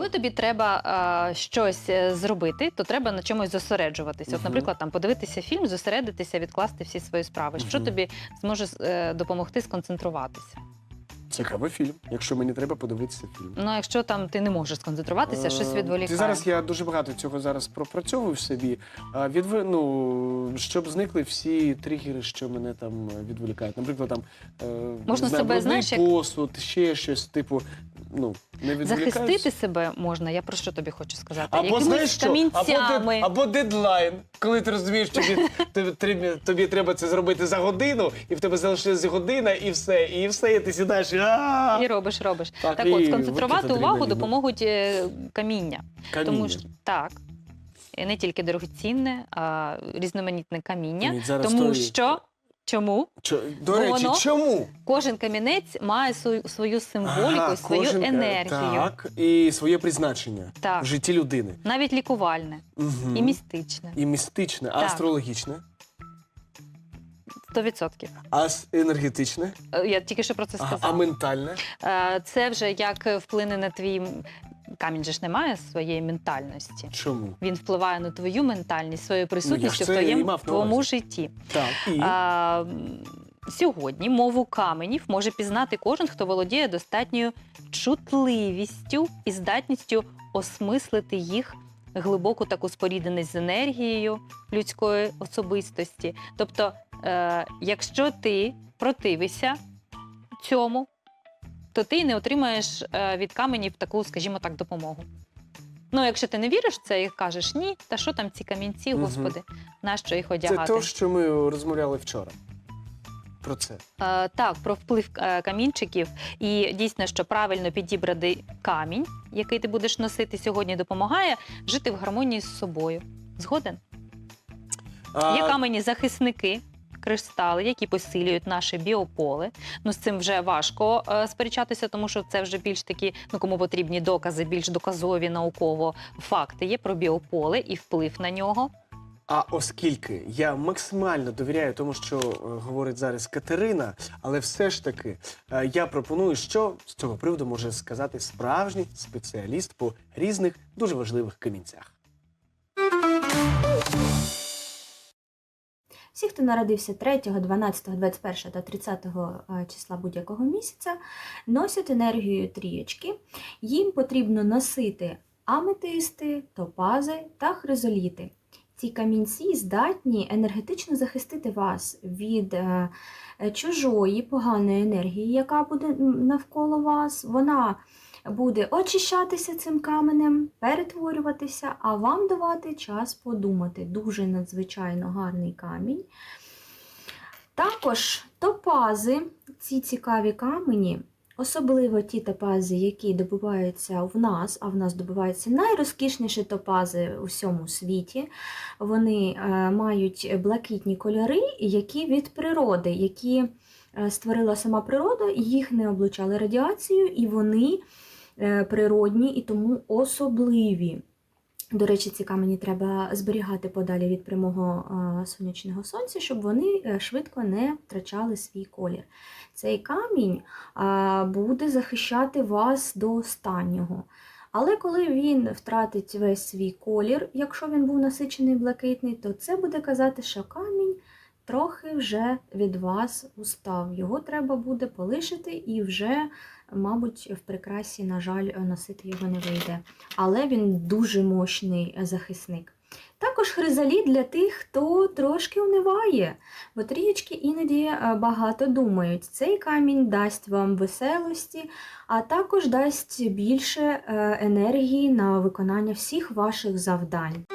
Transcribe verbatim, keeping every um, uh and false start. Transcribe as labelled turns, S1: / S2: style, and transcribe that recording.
S1: Коли тобі треба а, щось е, зробити, то треба на чомусь зосереджуватися. От,
S2: Мгм.
S1: наприклад, там подивитися фільм, зосередитися, відкласти всі свої справи. Що
S2: Мгм.
S1: тобі зможе е, допомогти сконцентруватися?
S2: Цікавий фільм, якщо мені треба подивитися фільм.
S1: Ну, а якщо там ти не можеш сконцентруватися, щось
S2: Е,
S1: відволікає.
S2: Ти зараз я дуже багато цього зараз пропрацьовую в собі. А, Відв... Ну, щоб зникли всі тригери, що мене там відволікають. Наприклад, там е,
S1: Можна
S2: не знаю,
S1: себе,
S2: брудний
S1: знаєш, як-
S2: посуд, ще щось, типу, ну, не відволікаюсь.
S1: Захистити себе можна, я про що тобі хочу сказати?
S2: Або
S1: Якимись
S2: знаєш що?
S1: камінцями.
S2: Або, дед- або дедлайн, коли ти розумієш, що тобі, тобі, тобі, тобі треба це зробити за годину, і в тебе залишилась година, і все, і все, і ти сідаєш, і а
S1: І робиш, робиш.
S2: Так,
S1: Так,
S2: і
S1: от, сконцентрувати
S2: викидати
S1: увагу
S2: адреналіну.
S1: допоможуть е, каміння. Тому
S2: каміння.
S1: що так, і не тільки дорогоцінне, а різноманітне каміння.
S2: Ні, зараз
S1: Тому
S2: тої-
S1: що чому?
S2: Чо- До
S1: Бо
S2: речі,
S1: воно-
S2: чому?
S1: Кожен камінець має свою, свою символіку,
S2: Ага,
S1: свою
S2: кожен, е,
S1: енергію.
S2: Так, і своє призначення
S1: Так.
S2: в житті людини.
S1: Навіть лікувальне
S2: Угу.
S1: і містичне.
S2: І містичне, а
S1: Так.
S2: астрологічне,
S1: Сто відсотків.
S2: а с- енергетичне,
S1: Е, Я тільки що про це
S2: а,
S1: сказала.
S2: а ментальне.
S1: Е, Це вже як вплине на твій... м- Камінь же ж не має своєї ментальності.
S2: Чому?
S1: Він впливає на твою ментальність, своєю присутністю в
S2: це і
S1: твоєму
S2: мав на
S1: твоєму
S2: увазі.
S1: житті.
S2: Так, і
S1: А, м, сьогодні мову каменів може пізнати кожен, хто володіє достатньою чутливістю і здатністю осмислити їх глибоку таку спорідненість з енергією людської особистості. Тобто, е, якщо ти противишся цьому, то ти не отримаєш е, від каменів таку, скажімо так, допомогу. Ну, якщо ти не віриш в це і кажеш, ні, та що там ці камінці,
S2: Мгм.
S1: господи, нащо їх
S2: це
S1: одягати?
S2: те, що ми розмовляли вчора. Про це.
S1: Е, так, про вплив е, камінчиків. І дійсно, що правильно підібраний камінь, який ти будеш носити сьогодні, допомагає жити в гармонії з собою. Згоден?
S2: А,
S1: Є камені-захисники, кристали, які посилюють наше біополе. Ну, з цим вже важко е, сперечатися, тому що це вже більш такі, ну, кому потрібні докази, більш доказові науково факти є про біополе і вплив на нього.
S2: А оскільки я максимально довіряю тому, що е, говорить зараз Катерина, але все ж таки е, я пропоную, що з цього приводу може сказати справжній спеціаліст по різних дуже важливих камінцях.
S3: Всі, хто народився третього, дванадцятого, двадцять першого та тридцятого числа будь-якого місяця, носять енергію трієчки. Їм потрібно носити аметисти, топази та хризоліти. Ці камінці здатні енергетично захистити вас від е, чужої поганої енергії, яка буде навколо вас. Вона буде очищатися цим каменем, перетворюватися, а вам давати час подумати. Дуже надзвичайно гарний камінь. Також топази, ці цікаві камені, особливо ті топази, які добуваються в нас, а в нас добуваються найрозкішніші топази у всьому світі. Вони е, мають блакитні кольори, які від природи, які е, створила сама природа, їх не облучали радіацією, і вони е, природні і тому особливі. До речі, ці камені треба зберігати подалі від прямого е, сонячного сонця, щоб вони е, швидко не втрачали свій колір. Цей камінь е, буде захищати вас до останнього. Але коли він втратить весь свій колір, якщо він був насичений блакитний, то це буде казати, що камінь трохи вже від вас устав. Його треба буде полишити і вже, мабуть, в прикрасі, на жаль, носити його не вийде. Але він дуже мощний захисник. Також хризаліт для тих, хто трошки униває, бо трієчки іноді багато думають. Цей камінь дасть вам веселості, а також дасть більше енергії на виконання всіх ваших завдань.